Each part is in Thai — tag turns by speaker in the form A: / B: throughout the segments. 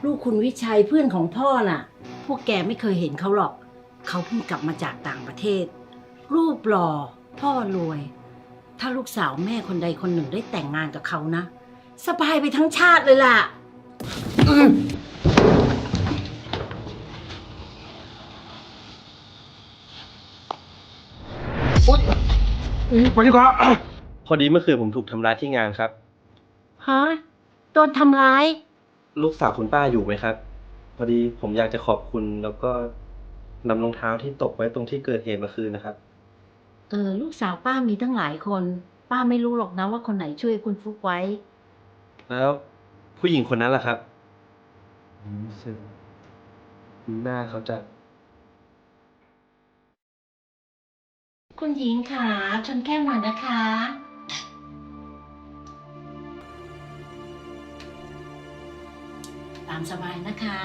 A: ลูกคุณวิชัยเพื่อนของพ่อน่ะพวกแกไม่เคยเห็นเขาหรอกเขาเพิ่งกลับมาจากต่างประเทศรูปหล่อพ่อรวยถ้าลูกสาวแม่คนใดคนหนึ่งได้แต่งงานกับเขานะสบายไปทั้งชาติเลยล่ะ
B: มาดีกว่า
C: พอดีเมื่อคืนผมถูกทำร้ายที่งานครับ
A: ฮะโดนทำร้าย
C: ลูกสาวคุณป้าอยู่ไหมครับ พอดีผมอยากจะขอบคุณแล้วก็นำรองเท้าที่ตกไว้ตรงที่เกิดเหตุเมื่อคืนนะครับ
A: ลูกสาวป้ามีตั้งหลายคน ป้าไม่รู้หรอกนะว่าคนไหนช่วยคุณฟุกไว้
C: แล้วผู้หญิงคนนั้นล่ะครับรู้สึกหน้าเขาจะ
A: คุณหญิงค่ะชนแก้วหน่อยนะคะ ตามสบายนะคะ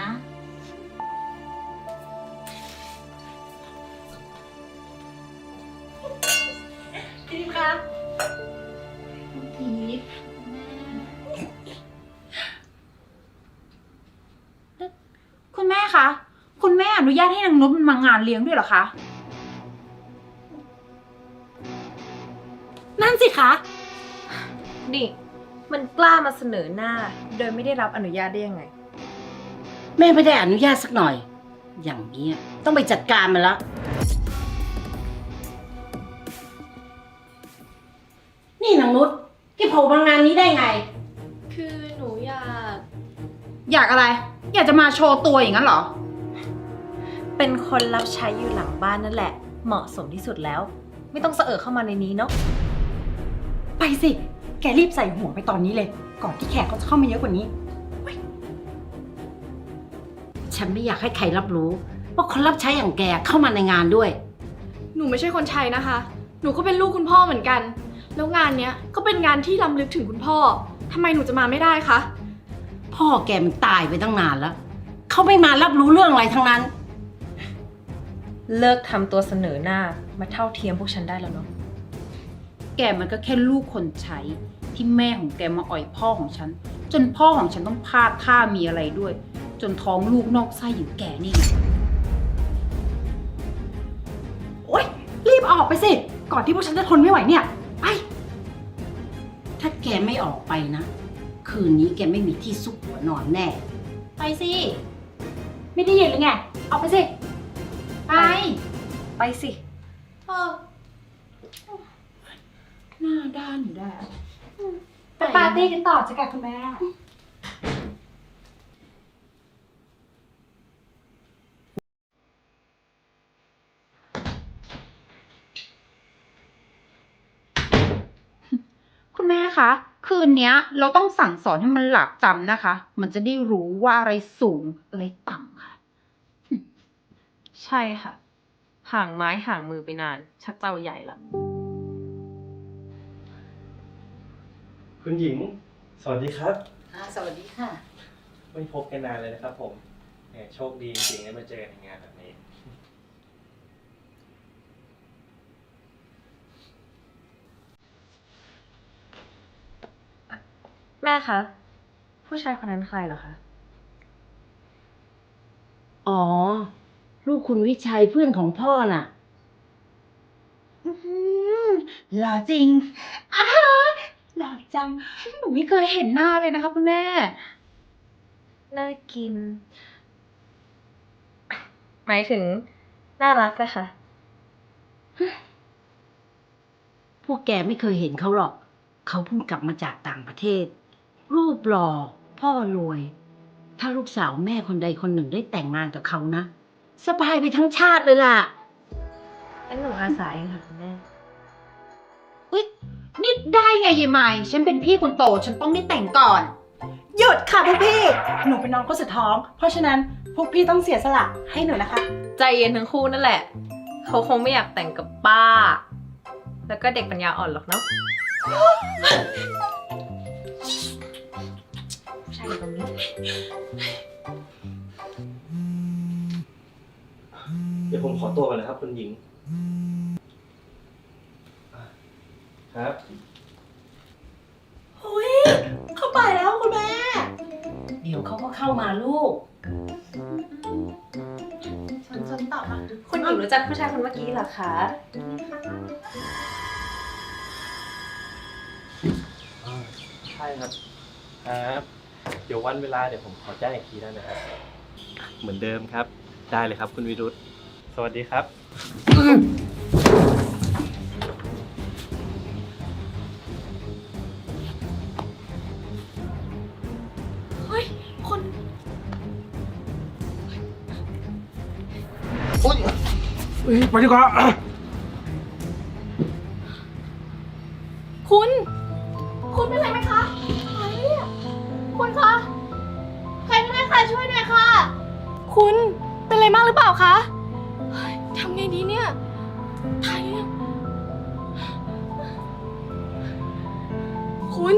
A: พี่คะพี่
D: คุณแม่คะ คุณแม่อนุญาตให้นางนุชมางานเลี้ยงด้วยเหรอคะ นั่นสิคะ
E: นี่มันกล้ามาเสนอหน้า โดยไม่ได้รับอนุญาตได้ยังไง
A: แม่ไม่ได้อนุญาตสักหน่อย อย่างนี้ต้องไปจัดการมันแล้วนี่นางนุชที่โผล่มางานนี้ได้ไง
E: คือหนูอยาก
D: อยากอะไร อยากจะมาโชว์ตัวอย่างนั้นเหรอ
E: เป็นคนรับใช้อยู่หลังบ้านนั่นแหละ เหมาะสมที่สุดแล้ว ไม่ต้องเสอะเข้ามาในนี้เนาะ
D: ไปสิ แกรีบใส่หัวไปตอนนี้เลย ก่อนที่แขกเขาจะเข้ามาเยอะกว่านี้
A: ฉันไม่อยากให้ใครรับรู้ว่าคนรับใช้อย่างแกเข้ามาในงานด้วย
F: หนูไม่ใช่คนใช้นะคะ หนูก็เป็นลูกคุณพ่อเหมือนกัน แล้วงานเนี้ยก็เป็นงานที่ล้ำลึกถึงคุณพ่อ ทำไมหนูจะมาไม่ได้คะ
A: พ่อแกมันตายไปตั้งนานแล้ว เขาไม่มารับรู้เรื่องอะไรทั้งนั้น
E: เลิกทำตัวเสนอหน้ามาเท่าเทียมพวกฉันได้แล้วเนาะ
D: แกมันก็แค่ลูกคนใช้ที่แม่ของแกมาอ่อยพ่อของฉัน จนพ่อของฉันต้องพลาดท่ามีอะไรด้วย จนท้องลูกนอกไส้อยู่แกนี่ไงโอ๊ยรีบออกไปสิ ก่อนที่พวกฉันจะทนไม่ไหวเนี่ย ไป
A: ถ้าแกไม่ออกไปนะ คืนนี้แกไม่มีที่ซุกหัวนอนแน่
D: ไปสิ ไม่ได้ยินหรือไง ออกไปสิ ไป
E: ไปสิ
D: หน้าด้านอยู่ได้ไปปาร์ตี้กันต่อจ้ะค่ะคุณแม่ คุณแม่คะ คืนนี้เราต้องสั่งสอนให้มันหลับจำนะคะ มันจะได้รู้ว่าอะไรสูงอะไรต่ำค่ะ
E: ใช่ค่ะ ห่างไม้ห่างมือไปนาน ชักเจ้าใหญ่ละ
C: คุณหญิง สวัสดีครับ
A: สวัสดีค่ะ
C: ไม่พบกันนานเลยนะครับผมแหมโชคดีจริงๆได้มาเจอในงานแบบนี้
E: แม่คะ ผู้ชายคนนั้นใครเหรอคะ
A: อ๋อ ลูกคุณวิชัยเพื่อนของพ่อน่ะ
D: หล่อจริงหล่อจัง หนูไม่เคยเห็นหน้าเลยนะคะคุณแม่
E: น่ากิน หมายถึง น่ารักนะคะ
A: พวกแกไม่เคยเห็นเขาหรอก เขาเพิ่งกลับมาจากต่างประเทศ รูปหล่อพ่อรวย ถ้าลูกสาวแม่คนใดคนหนึ่งได้แต่งงานกับเขานะ สบายไปทั้งชาติเลยล่ะ
E: งั้นหนูอาสาเองค่ะคุณแม่
D: อุ๊ยนี่ได้ไงยายใหม่ ฉันเป็นพี่คนโต ฉันต้องได้แต่งก่อน หยุดค่ะพวกพี่ หนูเป็นน้องคนสุดท้อง เพราะฉะนั้นพวกพี่ต้องเสียสละให้หนูนะคะ
E: ใจเย็นทั้งคู่นั่นแหละ เขาคงไม่อยากแต่งกับป้า แล้วก็เด็กปัญญาอ่อนหรอกเนาะใช่ตรงนี้
C: เดี๋ยวผมขอตัวก่อนนะครับคุณหญิง ครับ
D: เข้าไปแล้วคุณแม่ ด
A: เดี๋ยวเขาก็เข้ามาลูก
E: ฉันตอบมาคุณหญิงรู้จักผู้ชายคนเมื่อกี้เหรอคะ
C: ใช่ครับ ครับ เดี๋ยววันเวลาเดี๋ยวผมขอแจ้งอีกทีได้ไหมครับ เหมือนเดิมครับ ได้เลยครับคุณวิรุธ สวัสดีครับ
F: เฮ้ย คน
B: โอ๊ยไปดีกว่า
F: คุณ คุณเป็นไรไหมคะอะไรเนี่ยคุณคะ ใครก็ได้ค่ะช่วยหน่อยค่ะ คุณเป็นอะไรมากหรือเปล่าคะเฮ้ยทำไงดีเนี่ยตายแล้วคุณ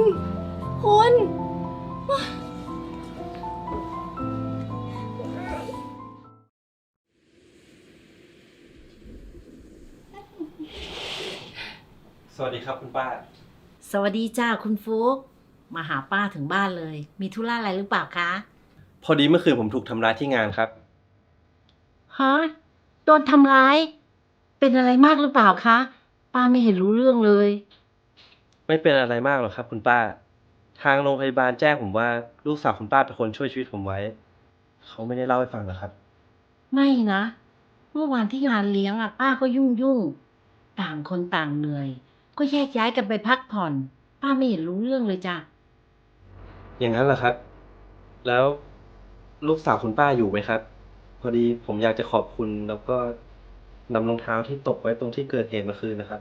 C: สวัสดีครับคุณป้า
A: สวัสดีจ้าคุณฟุกมาหาป้าถึงบ้านเลย มีธุระอะไรหรือเปล่าคะ
C: พอดีเมื่อคืนผมถูกทำร้ายที่งานครับ
A: ฮะโดนทำร้าย เป็นอะไรมากหรือเปล่าคะ ป้าไม่เห็นรู้เรื่องเลย
C: ไม่เป็นอะไรมากหรอกครับคุณป้า ทางโรงพยาบาลแจ้งผมว่าลูกสาวคุณป้าเป็นคนช่วยชีวิตผมไว้ เขาไม่ได้เล่าให้ฟังหรอกครับ
A: ไม่นะเมื่อวานที่งานเลี้ยงอ่ะป้าก็ยุ่งต่างคนต่างเหนื่อย ก็แยกย้ายกันไปพักผ่อน ป้าไม่เห็นรู้เรื่องเลยจ้ะ
C: อย่างนั้นเหรอครับ แล้วลูกสาวคุณป้าอยู่ไหมครับ พอดีผมอยากจะขอบคุณแล้วก็นำรองเท้าที่ตกไว้ตรงที่เกิดเหตุเมื่อคืนนะครับ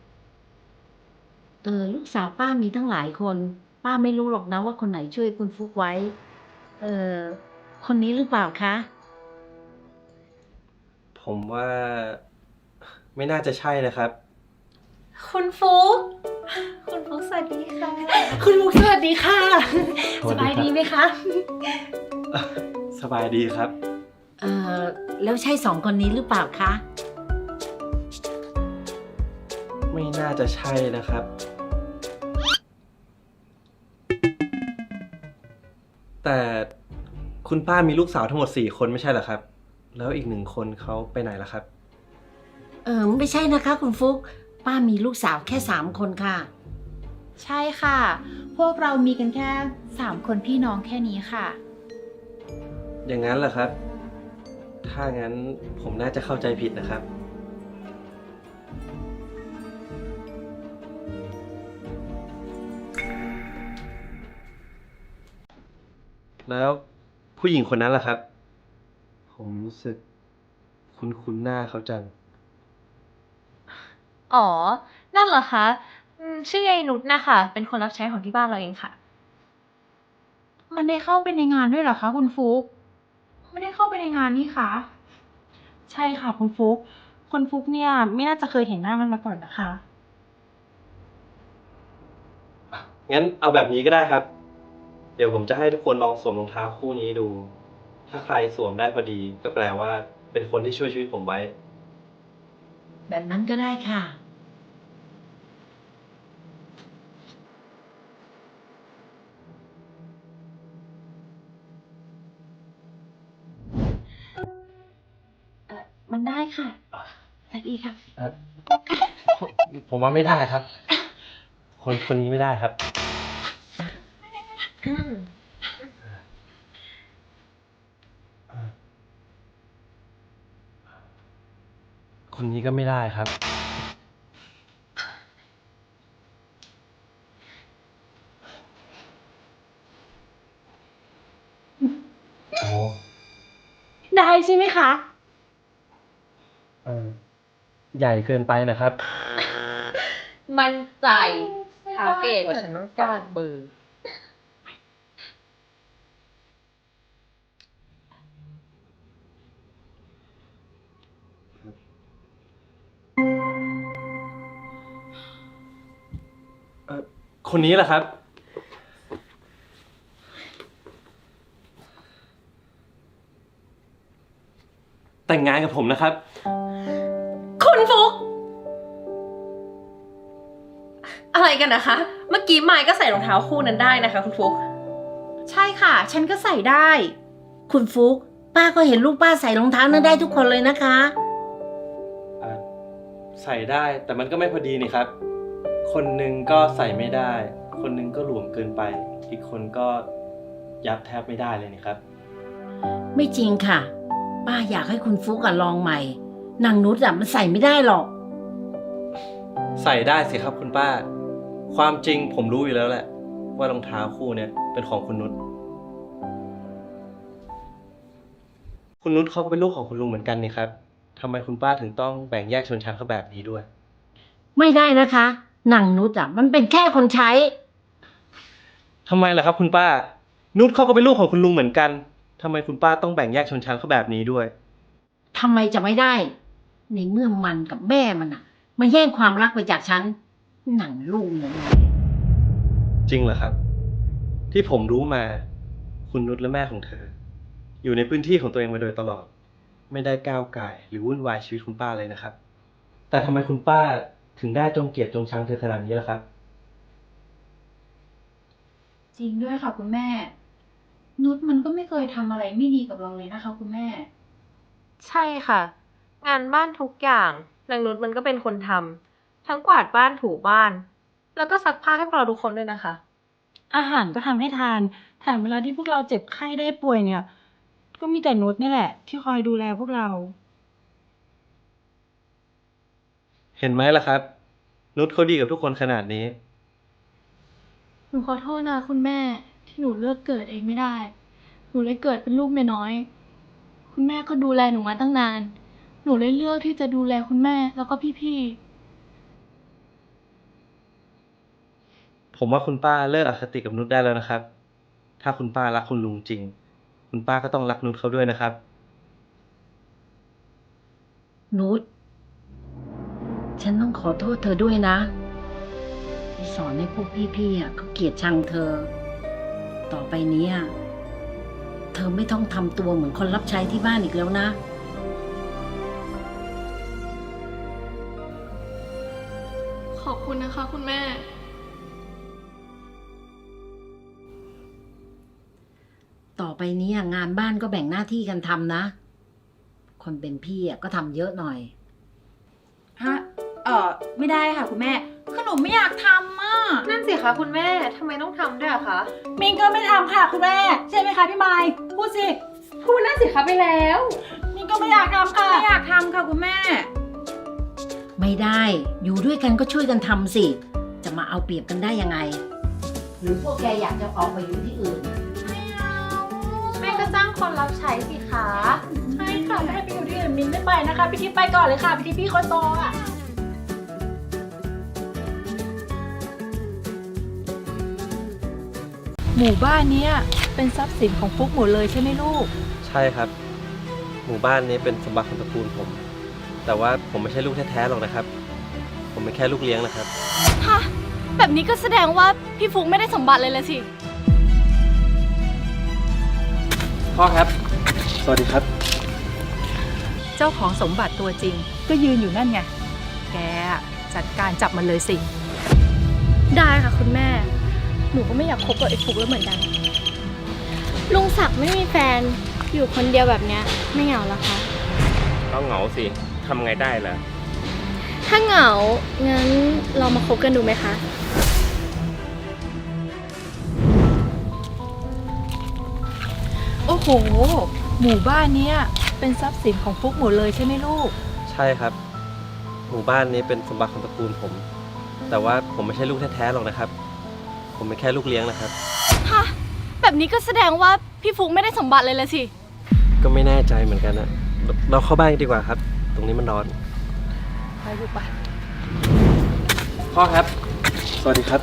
A: ลูกสาวป้ามีทั้งหลายคน ป้าไม่รู้หรอกนะว่าคนไหนช่วยคุณฟุกไว้ คนนี้หรือเปล่าคะ
C: ผมว่าไม่น่าจะใช่นะครับ
E: คุณฟุกคุณฟุกสวัสดีค่ะ
D: คุณมุกสวัสดีค่ะ
C: สวั
D: ส
C: สดีครับ
D: บายดีไหมคะ
C: สบายดีครับ
A: แล้วใช่สองคนนี้หรือเปล่าคะ
C: ไม่น่าจะใช่นะครับ แต่คุณป้ามีลูกสาวทั้งหมด4 คนไม่ใช่เหรอครับ แล้วอีก1 คนเขาไปไหนล่ะครับ
A: ไม่ใช่นะคะคุณฟุก ป้ามีลูกสาวแค่3 คนค่ะ
D: ใช่ค่ะ พวกเรามีกันแค่3 คนพี่น้องแค่นี้ค่ะ
C: อย่างนั้นเหรอครับ ถ้างั้นผมน่าจะเข้าใจผิดนะครับ แล้วผู้หญิงคนนั้นล่ะครับ ผมรู้สึกคุ้นๆหน้าเขาจัง
E: อ๋อ นั่นเหรอคะชื่อยายนุชนะคะ เป็นคนรับใช้ของที่บ้านเราเองค่ะ
D: มันได้เข้าไปในงานด้วยเหรอคะคุณฟุกไม่ได้เข้าไปในงานนี่คะใช่ค่ะคุณฟุกคุณฟุกเนี่ยไม่น่าจะเคยเห็นหน้ามันมาก่อนนะคะ
C: งั้นเอาแบบนี้ก็ได้ครับ เดี๋ยวผมจะให้ทุกคนลองสวมรองเท้าคู่นี้ดู ถ้าใครสวมได้พอดี ก็แปลว่าเป็นคนที่ช่วยชีวิตผมไว้
A: แบบนั้นก็ได้ค่ะ มันได้ค่ะสวัสดีค่ะ
C: ผมว่าไม่ได้ครับ คนนี้ไม่ได้ครับ คนนี้ก็ไม่ได้ครับ โอ้
D: ได้ใช่ไหมคะ
C: ใหญ่เกินไปนะครับ
E: มั่นใจเอาเกตว่าฉันต้องการเบอร์
C: คนนี้แหละครับ แต่งงานกับผมนะครับ
E: คุณฟุก อะไรกันนะคะ เมื่อกี้ไมค์ก็ใส่รองเท้าคู่นั้นได้นะคะคุณฟุก
D: ใช่ค่ะ ฉันก็ใส่ได้
A: คุณฟุกป้าก็เห็นลูกป้าใส่รองเท้านั้นได้ทุกคนเลยนะคะ
C: ใส่ได้แต่มันก็ไม่พอดีนี่ครับ คนหนึ่งก็ใส่ไม่ได้ คนหนึ่งก็หลวมเกินไป อีกคนก็ยับแทบไม่ได้เลยนี่ครับ
A: ไม่จริงค่ะ ป้าอยากให้คุณฟุกลองใหม่นางนุชมันใส่ไม่ได้หรอก
C: ใส่ได้สิครับคุณป้า ความจริงผมรู้อยู่แล้วแหละ ว่ารองเท้าคู่เนี้ยเป็นของคุณนุชคุณนุชเขาก็เป็นลูกของคุณลุงเหมือนกันนี่ครับทำไมคุณป้าถึงต้องแบ่งแยกชนชั้นเขาแบบนี้ด้วย
A: ไม่ได้นะคะนางนุชมันเป็นแค่คนใช้
C: ทำไมล่ะครับคุณป้า นุชเขาก็เป็นลูกของคุณลุงเหมือนกันทำไมคุณป้าต้องแบ่งแยกชนชั้นเขาแบบนี้ด้วย
A: ทำไมจะไม่ได้ ในเมื่อมันกับแม่มันมาแย่งความรักไปจากฉันหนังลูกเนี่ย
C: จริงเหรอครับ ที่ผมรู้มา คุณนุชและแม่ของเธอ อยู่ในพื้นที่ของตัวเองมาโดยตลอด ไม่ได้ก้าวก่ายหรือวุ่นวายชีวิตคุณป้าเลยนะครับ แต่ทำไมคุณป้าถึงได้จงเกลียดจงชังเธอขนาดนี้ล่ะครับ
F: จริงด้วยค่ะคุณแม่ นุชมันก็ไม่เคยทำอะไรไม่ดีกับเราเลยนะคะคุณแม่
E: ใช่ค่ะ งานบ้านทุกอย่างนางนุชมันก็เป็นคนทำทั้งกวาดบ้านถูบ้าน แล้วก็ซักผ้าให้พวกเราทุกคนด้วยนะคะ
G: อาหารก็ทำให้ทานแถมเวลาที่พวกเราเจ็บไข้ได้ป่วยเนี่ย ก็มีแต่นุชนี่แหละ ที่คอยดูแลพวกเรา
C: เห็นไหมล่ะครับ นุชเขาดีกับทุกคนขนาดนี้
F: หนูขอโทษนะคุณแม่ที่หนูเลือกเกิดเองไม่ได้ หนูเลยเกิดเป็นลูกเมียน้อย คุณแม่ก็ดูแลหนูมาตั้งนาน หนูเลยเลือกที่จะดูแลคุณแม่แล้วก็พี่ๆ
C: ผมว่าคุณป้าเลิกอคติกับนุชได้แล้วนะครับ ถ้าคุณป้ารักคุณลุงจริง คุณป้าก็ต้องรักนุชเขาด้วยนะครับ
A: นุชฉันต้องขอโทษเธอด้วยนะที่สอนให้พวกพี่ๆเขาเกลียดชังเธอ ต่อไปนี้เธอไม่ต้องทำตัวเหมือนคนรับใช้ที่บ้านอีกแล้วนะ
F: ขอบคุณนะคะคุณแม่
A: ต่อไปนี้งานบ้านก็แบ่งหน้าที่กันทำนะ คนเป็นพี่ก็ทำเยอะหน่อย
D: ฮะ ไม่ได้ค่ะคุณแม่ คือหนูไม่อยากทำอ่ะ
E: นั่นสิคะคุณแม่ทำไมต้องทำด้วยอะคะ
D: มิงก็ไม่ทำค่ะคุณแม่ ใช่ไหมคะพี่ไมค์พูดสิ
E: พูดนั่นสิคะไปแล้ว
D: มิงก็ไม่อยากทำค่ะ ไม่อยากทำค่ะคุณแม่
A: ไม่ได้ อยู่ด้วยกันก็ช่วยกันทำสิ จะมาเอาเปรียบกันได้ยังไง หรือพวกแกอยากจะออกไปอยู่ที่อื่น
E: แม่ก็จ้างคนรับใช้สิคะ
D: ใช่ค่ะแม่ไปอยู่ที่อื่นมินไม่ไปนะคะพี่ทิพย์ไปก่อนเลยค่ะพี่ทิพย์พี่คนโตอ่ะ
G: หมู่บ้านเนี้ยเป็นทรัพย์สินของฟุกหมดเลยใช่ไหมลูก
C: ใช่ครับ หมู่บ้านนี้เป็นสมบัติของตระกูลผม แต่ว่าผมไม่ใช่ลูกแท้ๆหรอกนะครับ ผมเป็นแค่ลูกเลี้ยงนะครับ
F: ฮะ แบบนี้ก็แสดงว่าพี่ฟุกไม่ได้สมบัติเลยละสิ
C: พ่อครับ สวัสดีครับ
G: เจ้าของสมบัติตัวจริง ก็ยืนอยู่นั่นไง แกจัดการจับมันเลยสิ
F: ได้ค่ะคุณแม่ หนูก็ไม่อยากคบกับไอ้ฟุกแล้วเหมือนกัน ลุงศักดิ์ไม่มีแฟน อยู่คนเดียวแบบเนี้ยไม่เหงาเหรอคะ
H: ก็เหงาสิ ทำไงได้ล่ะ
F: ถ้าเหงา งั้นเรามาคบกันดูไหมคะ
G: โอ้โห หมู่บ้านเนี้ยเป็นทรัพย์สินของฟุกหมดเลยใช่ไหมลูก
C: ใช่ครับ หมู่บ้านนี้เป็นสมบัติของตระกูลผม แต่ว่าผมไม่ใช่ลูกแท้ๆหรอกนะครับ ผมเป็นแค่ลูกเลี้ยงนะครับ
F: ฮะ แบบนี้ก็แสดงว่าพี่ฟุกไม่ได้สมบัติเลยละสิ
C: ก็ไม่แน่ใจเหมือนกันนะ เราเข้าบ้านกันดีกว่าครับ ตรงนี้มันร้อน
G: ไปลูกไป
C: พ่อครับ สวัสดีครับ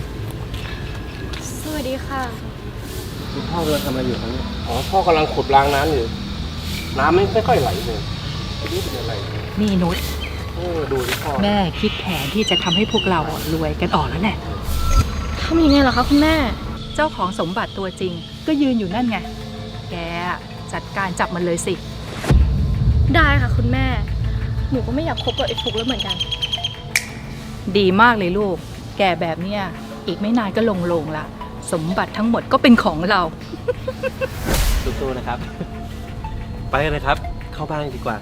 F: สวัสดีค่ะ
C: คุณพ่อกำลังทำอะไรอยู่ครับเนี่ย
H: อ๋อ พ่อกำลังขุดรางน้ำอยู่ น้ำไม่ค่อยไหลเลยไม่รู้เป็นอะไร
G: นี่นุช
H: ดูที่พ่อ
G: แม่คิดแผนที่จะทำให้พวกเรารวยกันออกแล้วแหละ
F: ทำยังไงเหรอคะคุณแม่
G: เจ้าของสมบัติตัวจริง ก็ยืนอยู่นั่นไง แกจัดการจับมันเลยสิ
F: ได้ค่ะคุณแม่ หนูก็ไม่อยากคบกับไอ้ฟุกแล้วเหมือนกัน
G: ดีมากเลยลูก แกแบบเนี้ยอีกไม่นานก็ลงละ
I: สมบัติทั้งหมดก็เป็นของเรา
C: สู้ๆนะครับ ไปกันเลยครับ เข้าบ้านกันดีกว่า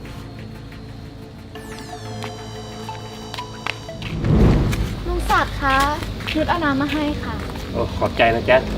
F: ลุงศักดิ์คะนุชเอาน้ำมาให้ค่ะ
H: โอ้ขอบใจนะแจ๊ค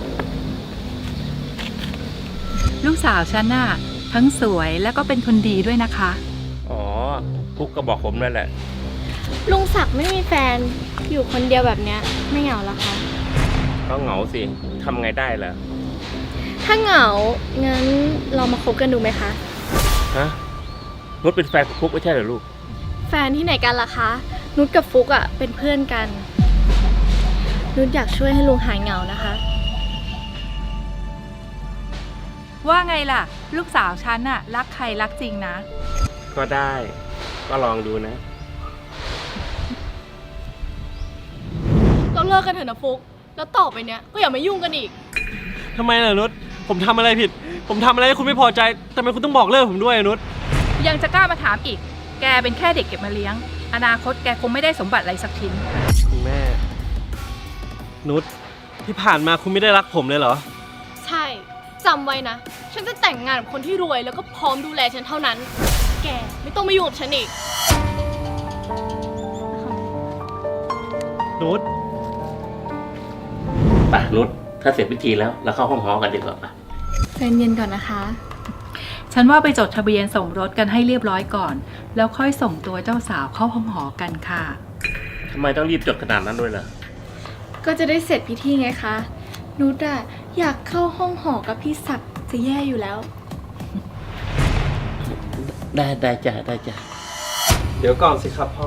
I: ลูกสาวฉันน่ะทั้งสวยแล้วก็เป็นคนดีด้วยนะคะ
H: อ๋อพุกก็บอกผมนั่นแหละ
F: ลุงศักดิ์ไม่มีแฟนอยู่คนเดียวแบบเนี้ยไม่เหงาเหรอคะ
H: ก็เหงาสิทำไงได้ล่ะ
F: ถ้าเหงา งั้นเรามาคบกันดูไหมคะ
H: ฮะนุชเป็นแฟนของพุกไม่ใช่เหรอลูก
F: แฟนที่ไหนกันล่ะคะ นุชกับฟุกอะเป็นเพื่อนกัน นุชอยากช่วยให้ลุงหายเหงานะคะ
I: ว่าไงล่ะ ลูกสาวฉันน่ะรักใครรักจริงนะ
H: ก็ได้ ก็ลองดูนะ
F: เราเลิกกันเถอะนะฟุก แล้วต่อไปเนี้ยก็อย่ามายุ่งกันอีก
C: ทำไมล่ะนุช ผมทำอะไรผิด ผมทำอะไรให้คุณไม่พอใจทำไมคุณต้องบอกเลิกผมด้วยอะนุช
I: ยังจะกล้ามาถามอีก แกเป็นแค่เด็กเก็บมาเลี้ยง อนาคตแกคงไม่ได้สมบัติอะไรสักชิ้น
C: คุณแม่ นุช ที่ผ่านมาคุณไม่ได้รักผมเลยเหรอ
F: ใช่ จำไว้นะ ฉันจะแต่งงานกับคนที่รวยแล้วก็พร้อมดูแลฉันเท่านั้น แกไม่ต้องมายุ่งกับฉันอีก
C: นุช
H: ไปนุช ถ้าเสร็จพิธีแล้วเราเข้าห้องหอกันดีกว่าปะ
F: ใจเย็นก่อนนะคะ
I: ฉันว่าไปจดทะเบียนสมรสกันให้เรียบร้อยก่อน แล้วค่อยส่งตัวเจ้าสาวเข้าห้องหอกันค่ะ
H: ทำไมต้องรีบจดขนาดนั้นด้วยล่ะ
F: ก็จะได้เสร็จพิธีไงคะ นุชอะอยากเข้าห้องหอกับพี่ศักดิ์จะแย่อยู่แล้ว
H: ได้จ้ะได้จ้ะ
C: เดี๋ยวก่อนสิครับพ่อ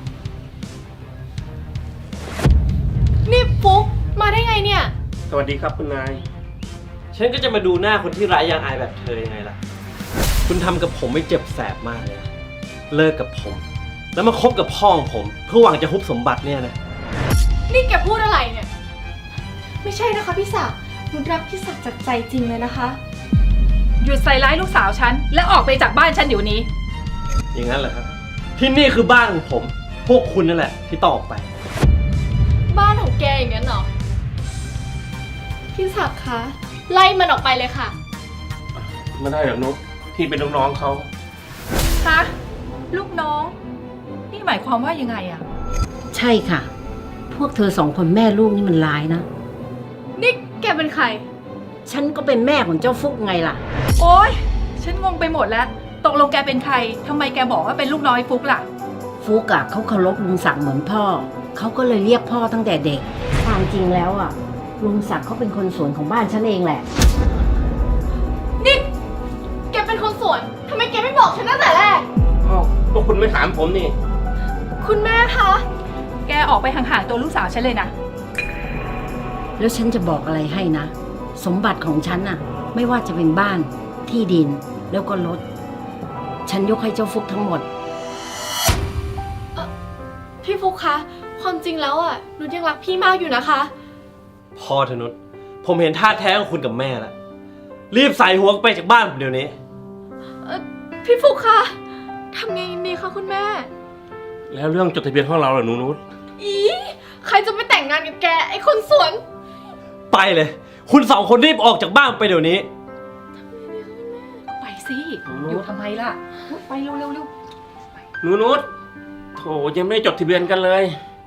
F: นี่ฟุกมาได้ไงเนี่ย
H: สวัสดีครับคุณนาย
C: ฉันก็จะมาดูหน้าคนที่ร้ายยางอายแบบเธอยังไงล่ะ คุณทำกับผมไม่เจ็บแสบมากเลยนะ เลิกกับผม แล้วมาคบกับพ่อของผม เพื่อหวังจะฮุบสมบัติเนี่ยนะ
F: นี่แกพูดอะไรเนี่ย ไม่ใช่นะคะพี่ศักดิ์นุชรักพี่ศักดิ์จากใจจริงเลยนะคะ
I: หยุดใส่ร้ายลูกสาวฉัน และออกไปจากบ้านฉันเดี๋ยวนี้
C: อย่างนั้นเหรอครับ ที่นี่คือบ้านของผม พวกคุณนั่นแหละที่ต้องออกไป
F: บ้านของแกอย่างนั้นเหรอ พี่ศักดิ์คะไล่มันออกไปเลยค่ะ
H: ไม่ได้หรอกนุชที่เป็นลูกน้องเขา
I: คะ ลูกน้อง นี่หมายความว่ายังไงอะ
A: ใช่ค่ะ พวกเธอสองคนแม่ลูกนี่มันร้ายนะ
F: นี่แกเป็นใคร
A: ฉันก็เป็นแม่ของเจ้าฟุกไงล่ะ
I: โอ๊ย ฉันงงไปหมดแล้ว ตกลงแกเป็นใคร ทำไมแกบอกว่าเป็นลูกน้อยฟุกล่ะ
A: ฟุกอะเขาเคารพลุงศักดิ์เหมือนพ่อ เขาก็เลยเรียกพ่อตั้งแต่เด็ก ความจริงแล้วอะลุงศักดิ์เขาเป็นคนสวนของบ้านฉันเองแหละ
F: นี่แกเป็นคนสวนทำไมแกไม่บอกฉันตั้งแต่แรก
H: อ้าวพวกคุณไม่ถามผมนี่
F: คุณแม่คะ
I: แกออกไปห่างๆตัวลูกสาวฉันเลยนะ
A: แล้วฉันจะบอกอะไรให้นะ สมบัติของฉันน่ะ ไม่ว่าจะเป็นบ้านที่ดินแล้วก็รถ ฉันยกให้เจ้าฟุกทั้งหมด
F: พี่ฟุกคะ ความจริงแล้วอ่ะนุชยังรักพี่มากอยู่นะคะ
C: พอเถอะนุช ผมเห็นท่าแท้ของคุณกับแม่แล้ว รีบใส่หัวไปจากบ้านผมเดี๋ยวนี้
F: พี่ฟุกคะทำไงดีคะคุณแม่
H: แล้วเรื่องจดทะเบียนห้องเราเหรอหนูนุช
F: อีใครจะไปแต่งงานกับแกไอ้คนสวน
C: ไปเลย คุณสองคนรีบออกจากบ้านไปเดี๋ยวนี้
I: ไปสิ อยู่ทำไมล่ะ ไปเร็วๆ
H: หนูนุชโถยังไม่ได้จดทะเบียนกันเลย
I: ๆ